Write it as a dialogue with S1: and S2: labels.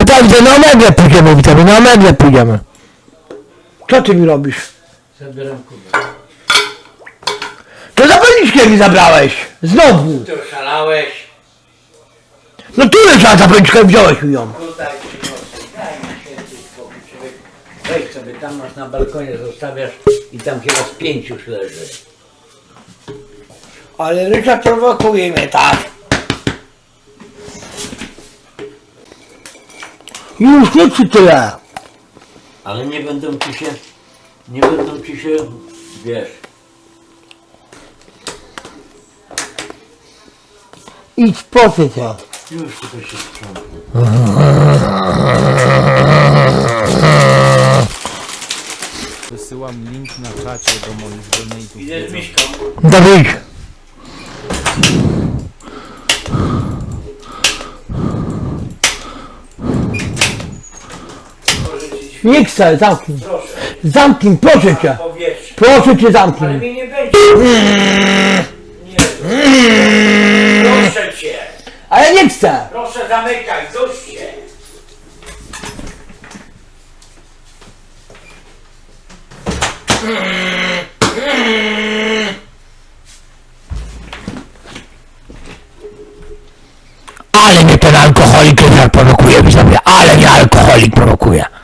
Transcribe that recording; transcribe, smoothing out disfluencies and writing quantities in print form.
S1: tam na Omegle pójdziemy, witamy, na Omegle pójdziemy. Co ty mi robisz?
S2: Zabieram kubę.
S1: To zapalniczkę mi zabrałeś! Znowu!
S2: Ty oszalałeś?
S1: No tu leżała zapalniczka i wziąłeś mi ją.
S2: Tutaj daj mi święty spokój, człowiek. Weź sobie, tam masz na balkonie, zostawiasz i tam chyba z 5 już leży.
S1: Ale Ryszard prowokuje mnie tak. Już nie ci tyle.
S2: Ale nie będą ci się, wiesz.
S1: Idź po ty to.
S2: Już tylko się sprzątnę.
S3: Wysyłam link na czacie do moich donate'ów.
S2: Idę z Miśką.
S1: Dawid. Nie chcę, zamknij.
S2: Proszę,
S1: Zamknij, proszę cię.
S2: powietrze.
S1: Proszę cię,
S2: Ale
S1: zamknij.
S2: mnie nie będzie. Nie. Proszę cię.
S1: Ale nie chcę.
S2: Proszę zamykaj, dość się.
S1: Ale mnie ten alkoholik Ryszard prowokuje, widzowie. Ale mnie alkoholik prowokuje.